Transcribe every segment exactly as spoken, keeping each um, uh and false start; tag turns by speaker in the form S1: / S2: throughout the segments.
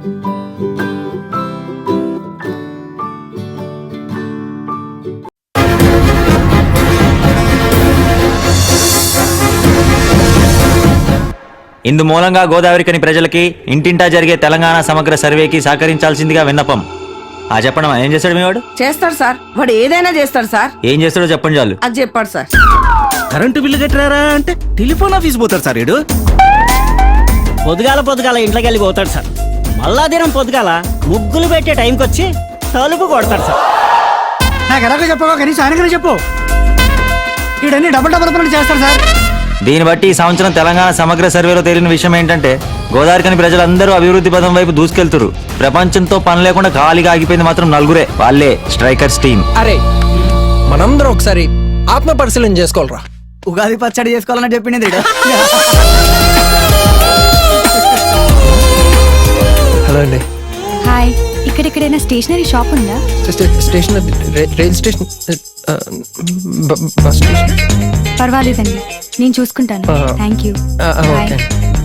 S1: ఇందు మూలంగా గోదావరికని ప్రజలకి ఇంటింటా జరిగే తెలంగాణ సమగ్ర సర్వేకి సహకరించాల్సిందిగా విన్నపం. ఆ చెప్పండి, ఏం చేస్తాడు మీ వాడు?
S2: చేస్తాడు సార్, వాడు ఏదైనా చేస్తాడు సార్.
S1: ఏం చేస్తాడో చెప్పండి చాలు.
S2: అది చెప్పాడు సార్.
S3: కరెంటు బిల్లు కట్టారా అంటే టెలిఫోన్ ఆఫీస్ పోతాడు సార్ వీడు.
S4: పొద్దుగాల పొద్దుగాల ఇంట్లోకి వెళ్ళి పోతాడు సార్. మళ్ళా దినం పొద్దుగాల ముగ్గులు పెట్టే టైంకి వచ్చి తలుపు కొడతాడు సార్.
S5: నాకు ఎలాగో చెప్పవా, కనీసం ఆయనకనే చెప్పు. వీడన్ని డబుల్ డబుల్ పనులు చేస్తాడు సార్.
S1: దీన్ని బట్టి ఈ సంవత్సరం తెలంగాణ సమగ్ర సర్వేలో తేలిన విషయం ఏంటంటే గోదావరికని ప్రజలందరూ అభివృద్ధి పదం వైపు దూసుకెళ్తురు. ప్రపంచంతో పని లేకుండా ఖాళీగా ఆగిపోయింది మాత్రం నలుగురే, వాళ్ళే స్ట్రైకర్స్ టీం.
S6: అరే మనందరం ఒకసారి ఆత్మ పరిశీలన చేసుకోవాలరా.
S5: ఉగాది పచ్చడి చేసుకోవాలని చెప్పింది.
S6: హలో అండి.
S7: హాయ్, ఇక్కడెక్కడైనా స్టేషనరీ షాప్ ఉందా?
S6: Station rail station bus station.
S7: పర్వాలేదండి, నేను చూసుకుంటాను. Thank you.
S6: ఓకే.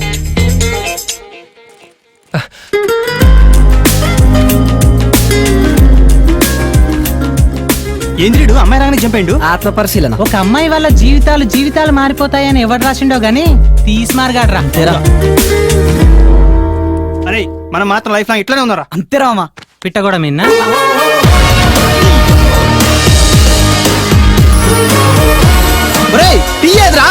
S3: ఏంద్రీడు అమ్మాయి రాగానే చంపాడు.
S5: ఆత్మ పరిశీలన.
S8: ఒక అమ్మాయి వల్ల జీవితాలు జీవితాలు మారిపోతాయని ఎవరు రాసిండో గానీ తీసి మార్గాడ్రా.
S3: అరే మనం మాత్రం లైఫ్ లాంగ్ ఇట్లానే ఉన్నారా?
S5: అంతేరామా
S8: పిట్ట కూడా మిన్నా.
S6: టీ ఏదిరా?